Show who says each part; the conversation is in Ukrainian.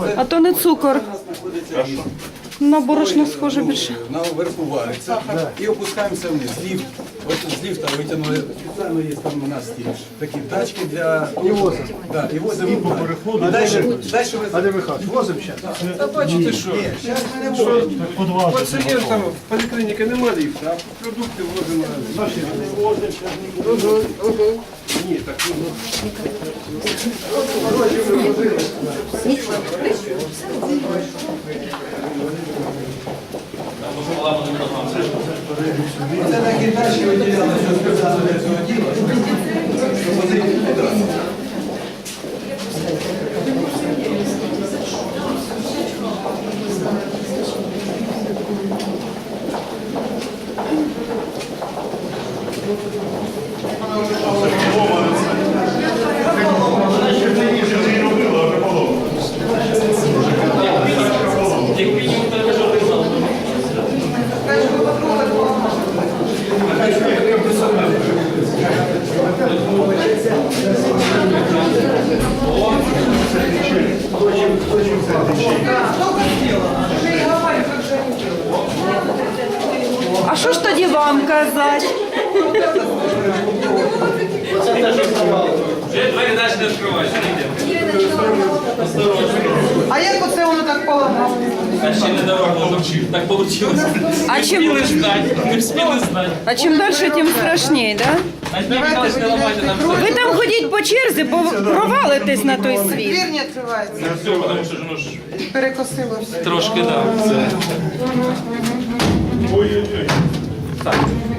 Speaker 1: А то не цукор. На борошно схоже більше.
Speaker 2: Наверху вариться і опускаємося вниз. Ліфт. От з ліфта витягнули, спеціально є там у нас ті такі тачки для... І возимо. Так, і возимо.
Speaker 3: По переходу.
Speaker 2: А далі ви...
Speaker 3: Андрій Михайлович, возимо зараз?
Speaker 2: Та бачите, що? Зараз ми не можемо.
Speaker 4: Пацієнтам в поліклініці немає ліфта, а продукти возимо. Ні, так
Speaker 2: Це такі тачки виділяли, що спеціально для цього діла. Щоб возити туди.
Speaker 1: А що ж тоді вам казати?
Speaker 5: Вже двері далі не відкриваються, ніде.
Speaker 6: А як оце воно так поламало?
Speaker 5: А ще не давав, так вийшло.
Speaker 1: А
Speaker 5: Не
Speaker 1: чим,
Speaker 5: встигли ждати, не встигли знати.
Speaker 1: а чим далі, тим страшніше, да?
Speaker 5: А ні, далі не ламайте нам все.
Speaker 1: Ви там ходіть по черзі, бо провалитесь на той світ.
Speaker 6: Двір не відкривається.
Speaker 5: Все, тому що ж воно ж
Speaker 6: Перекосило все.
Speaker 5: трошки, так.
Speaker 3: Ой-ой-ой.
Speaker 5: Так.